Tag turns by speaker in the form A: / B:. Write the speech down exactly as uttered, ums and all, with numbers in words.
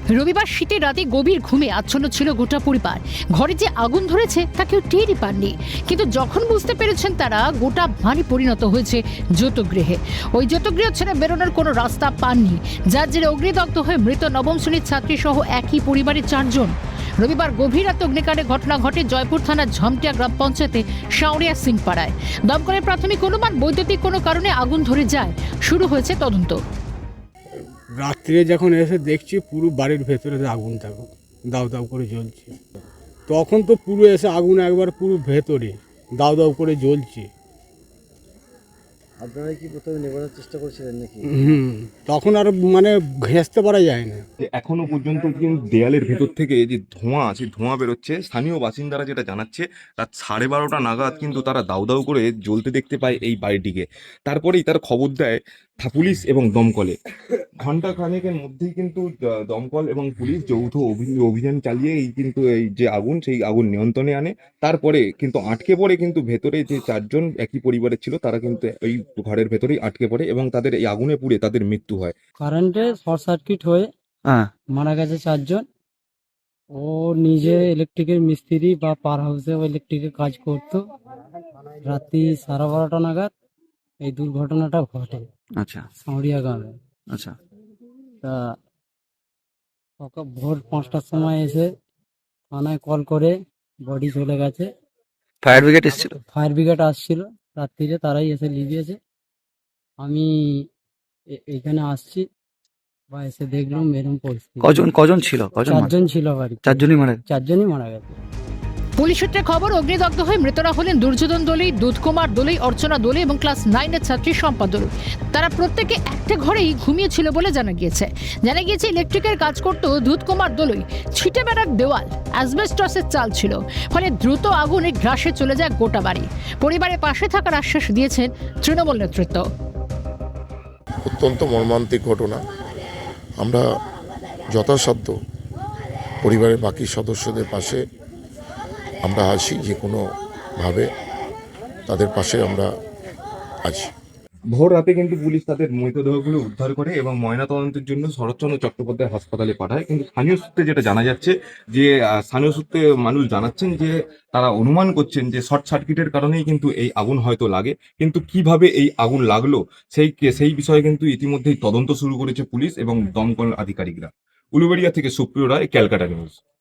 A: রবিবার শীতের রাতে গভীর ঘুমে আচ্ছন্ন ছিল গোটা পরিবার। ঘরে যে আগুন ধরেছে তা কেউ টেরই পাননি, কিন্তু যখন বুঝতে পেরেছেন তারা, গোটা বাড়ি পরিণত হয়েছে যৌতুকগৃহে। ওই যৌতুকগৃহ ছেড়ে বেরোনোর কোনো রাস্তা পাননি, যার জেরে অগ্নিদগ্ধ হয়ে মৃত নবম শ্রেণীর ছাত্রী সহ একই পরিবারের চারজন। রবিবার গভীর রাতে অগ্নিকাণ্ডের ঘটনা ঘটে জয়পুর থানার ঝমটিয়া গ্রাম পঞ্চায়েতে শাওরিয়া সিং পাড়ায়। দমকলের প্রাথমিক অনুমান বৈদ্যুতিক কোনো কারণে আগুন ধরে যায়। শুরু হয়েছে তদন্ত।
B: রাত্রে যখন এসে দেখছি পুরো বাড়ির ভেতরে আগুন থাকো দাউ দাউ করে জ্বলছে, তখন তো পুরো এসে আগুন একবার পুরো ভেতরে দাউ দাউ করে জ্বলছে।
C: আপনারা কি প্রথমে নেভানোর চেষ্টা করছিলেন নাকি?
B: হুম তখন আর মানে ঘেঁচতে পারা যায় না।
D: যে এখনো পর্যন্ত কিন্তু দেয়ালের ভেতর থেকে যে ধোঁয়া আছে, ধোঁয়া বেরোচ্ছে। স্থানীয় বাসিন্দারা যেটা জানাচ্ছে, রাত সাড়ে বারোটা নাগাদ কিন্তু তারা দাউ দাউ করে জ্বলতে দেখতে পায় এই বাড়িটিকে। তারপরেই তার খবর দেয় থা- পুলিশ এবং দমকলে। ঘন্টা খানেকের মধ্যেই কিন্তু দ- দমকল এবং পুলিশ যৌথ অভি- অভিযান চালিয়ে এই কিন্তু এই যে আগুন, সেই আগুন নিয়ন্ত্রণে আনে। তারপরে কিন্তু আটকে পড়ে কিন্তু ভেতরে যে চারজন একই পরিবারের ছিল, তারা কিন্তু এই ঘরের ভেতরেই আটকে পড়ে এবং তাদের এই আগুনে পুড়ে তাদের মৃত্যু হয়।
E: কারেন্টে শর্ট সার্কিট হয়ে
F: হ্যাঁ
E: মারা গেছে চারজন। ও নিজে ইলেকট্রিকের মিস্ত্রি বা পার হাউসে ও ইলেকট্রিকের কাজ করতো। রাত্রি সাড়ে বারোটা নাগাদ এই দুর্ঘটনাটা ঘটে
F: আচ্ছা
E: সাঁড়িয়া গ্রামে।
F: আচ্ছা
E: তা সকাল ভোর পাঁচটার সময় এসে থানায় কল করে বডি চলে গেছে।
F: ফায়ার ব্রিগেড এসেছিল?
E: ফায়ার ব্রিগেড আসছিল রাত্রিরে, তারাই এসে লিভিয়েছে। আমি এ- এইখানে আসছি বা এসে দেখলাম এরকম পরিস্থিতি।
F: কজন কজন ছিল কজন মারা-
E: চারজন ছিল বাড়ি,
F: চারজনই মারা গেছে?
E: চারজনই মারা গেছে।
A: পুলিশ সূত্রে খবর, অগ্নিদগ্ধ হয়ে মৃতরা হলেন দুর্যোধন দোলই, দুধকুমার দোলই, অর্চনা দোলই এবং ক্লাস নাইনের ছাত্রী শম্পা দোলই। তারা প্রত্যেকে একটা ঘরেই ঘুমিয়েছিল বলে জানা গিয়েছে। জানা গিয়েছে ইলেকট্রিকের কাজ করত দুধকুমার দোলই। ছিটে বেড়ার দেওয়াল, অ্যাসবেস্টসের চাল ছিল, ফলে দ্রুত আগুনে গ্রাসে চলে যায় গোটা বাড়ি। পরিবারের পাশে থাকার আশ্বাস দিয়েছেন তৃণমূল নেতৃত্ব।
G: অত্যন্ত মর্মান্তিক ঘটনা। আমরা যথাসাধ্য পরিবারের বাকি সদস্যদের পাশে আমরা আছি, যে কোনোভাবে তাদের পাশে আমরা আছি।
D: ভোর রাতে কিন্তু পুলিশ তাদের মৃতদেহগুলো উদ্ধার করে এবং ময়নাতদন্তের জন্য শরৎচন্দ্র চট্টোপাধ্যায় হাসপাতালে পাঠায়। কিন্তু স্থানীয় সূত্রে যেটা জানা যাচ্ছে, যে আহ, স্থানীয় সূত্রে মানুষ জানাচ্ছেন যে তারা অনুমান করছেন যে শর্ট সার্কিটের কারণেই কিন্তু এই আগুন হয়তো লাগে। কিন্তু কিভাবে এই আগুন লাগলো সেই সেই বিষয়ে কিন্তু ইতিমধ্যেই তদন্ত শুরু করেছে পুলিশ এবং দমকল আধিকারিকরা। উলুবেড়িয়া থেকে সুপ্রিয় রায়, ক্যালকাটা নিউজ।